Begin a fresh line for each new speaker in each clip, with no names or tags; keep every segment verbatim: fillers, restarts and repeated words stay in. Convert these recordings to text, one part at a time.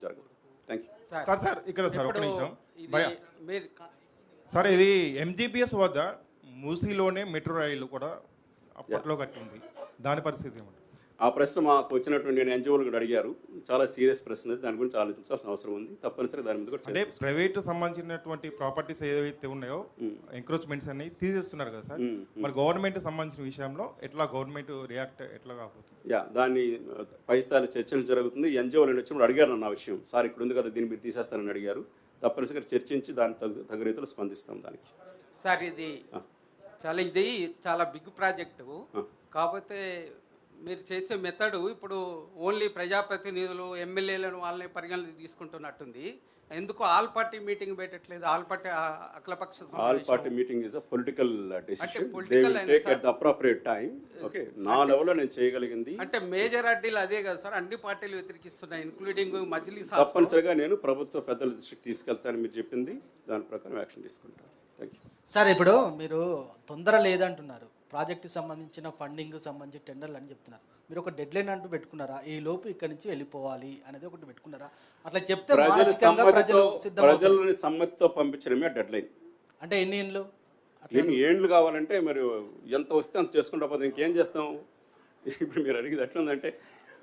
జరగదు. Thank you
sir sir ఇక్కడ sir ఒక
ఇప్పుడు
నిమిషం
ఇది
భయ
మీరు
సార్ ఇది ఎంజీపీఎస్ వద్ద మూసీలోనే మెట్రో రైలు కూడా అప్పట్లో కట్టింది, దాని పరిస్థితి ఏమంటారు?
ఆ ప్రశ్న మాకు వచ్చినటువంటి నేను ఎన్జిఓలు కూడా అడిగారు. చాలా సీరియస్ ప్రశ్న, దాని గురించి ఆలోచించాల్సిన అవసరం ఉంది. తప్పనిసరిగా దాని మీద కూడా
అంటే ప్రైవేట్ సంబంధించినటువంటి ప్రాపర్టీస్ ఏవైతే ఉన్నాయో ఎంక్రోచ్మెంట్స్ అన్ని తీసేస్తున్నారు కదా సార్, మరి గవర్నమెంట్ సంబంధించిన విషయంలో ఎట్లా గవర్నమెంట్ రియాక్ట్ ఎట్లా కాకపోతుంది?
యా దాన్ని పై స్థాయి చర్చలు జరుగుతుంది. ఎన్జిఓలు వచ్చినప్పుడు అడిగారు నన్ను ఆ విషయం, సార్ ఇక్కడ ఉంది కదా దీన్ని మీరు తీసేస్తారని అడిగారు. తప్పనిసరిగా చర్చించి దాని తగు తగు రీతిలో స్పందిస్తాం దానికి.
సార్ ఇది చాలా ఇది చాలా బిగ్ ప్రాజెక్టు, కాకపోతే మీరు చేసే మెథడు ఇప్పుడు ఓన్లీ ప్రజాప్రతినిధులు ఎమ్మెల్యేలను వాళ్ళని పరిగణన తీసుకుంటున్నట్టుంది. ఎందుకు ఆల్ పార్టీ మీటింగ్ పెట్టట్లేదు? ఆల్ పార్టీ అఖిలపక్ష
all party meeting is a political decision.
political
they will take at the appropriate time. Okay, నా లెవెల్లో నేను చేయగలిగింది
అంటే మేజర్ అడ్డీలు అదే కదా సార్, అన్ని పార్టీలు వ్యతిరేకిస్తున్నాయి ఇంక్లూడింగ్ మజ్లిస్.
తప్పనిసరిగా నేను ప్రభుత్వ పెద్దల దృష్టికి తీసుకెళ్తాను. మీరు చెప్పింది దాని ప్రకారం యాక్షన్ తీసుకుంటాను. Thank you
sir. ఇప్పుడు మీరు తొందర లేదంటున్నారు, ప్రాజెక్టుకి సంబంధించిన ఫండింగ్ సంబంధించి టెండర్లు అని చెప్తున్నారు. మీరు ఒక డెడ్ లైన్ అంటూ పెట్టుకున్నారా? ఈ లోపు ఇక్కడి నుంచి వెళ్ళిపోవాలి అనేది ఒకటి పెట్టుకున్నారా? అట్లా చెప్తే మానసికంగా ప్రజలు సిద్ధమవుతారు.
ప్రజలని సమ్మతితో పంపించడమే డెడ్ లైన్.
అంటే ఎన్ని ఏళ్ళు?
ఎన్ని ఏండ్లు కావాలంటే మరి ఎంత వస్తే అంత చేసుకుంటా పోతే ఇంకేం చేస్తాం? ఇప్పుడు మీరు అడిగేది ఎట్లుందంటే,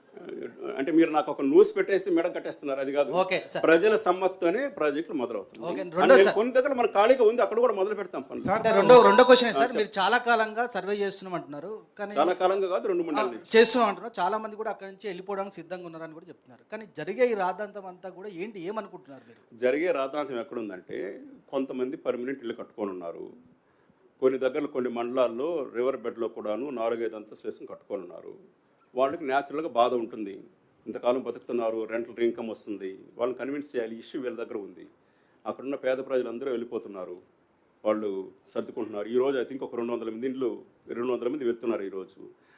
అంటే మీరు నాకు ఒక న్యూస్ పెట్టేసి మెడ కట్టేస్తున్నారు, అది కాదు.
ఓకే సార్,
ప్రజల సమ్మతితోనే ప్రాజెక్టులు మొదలవుతుంది. కొన్ని దగ్గర మన ఖాళీగా ఉంది, అక్కడ కూడా మొదలు పెడతాం పనులు.
అంటే రెండో రెండో క్వశ్చన్ సార్, మీరు చాలా కాలంగా సర్వే చేస్తున్నాం అంటున్నారు, కానీ
చాలా కాలంగా కాదు, రెండు మూడు నెలలు
చేస్తున్నాం అంటున్నారు. చాలా మంది కూడా అక్కడి నుంచి వెళ్ళిపోవడానికి సిద్ధంగా ఉన్నారని కూడా చెప్తున్నారు. కానీ జరిగే ఈ రాద్ధాంతం అంతా కూడా ఏంటి, ఏమనుకుంటున్నారు మీరు?
జరిగే రాద్ధాంతం ఎక్కడుందంటే, కొంతమంది పర్మనెంట్ ఇల్లు కట్టుకొని ఉన్నారు. కొన్ని దగ్గరలో కొన్ని మండలాల్లో రివర్ బెడ్లో కూడాను నాలుగైదు అంతస్తులు వేసుకుని కట్టుకొని ఉన్నారు. వాళ్ళకి న్యాచురల్గా బాధ ఉంటుంది, ఇంతకాలం బతుకుతున్నారు, రెంటల్ ఇన్కమ్ వస్తుంది, వాళ్ళని కన్విన్స్ చేయాలి. ఇష్యూ వీళ్ళ దగ్గర ఉంది. అక్కడున్న పేద ప్రజలందరూ వెళ్ళిపోతున్నారు, వాళ్ళు సర్దుకుంటున్నారు. ఈరోజు ఐ థింక్ ఒక రెండు వందల మంది ఇండ్లు రెండు వందల మంది వెళ్తున్నారు ఈరోజు.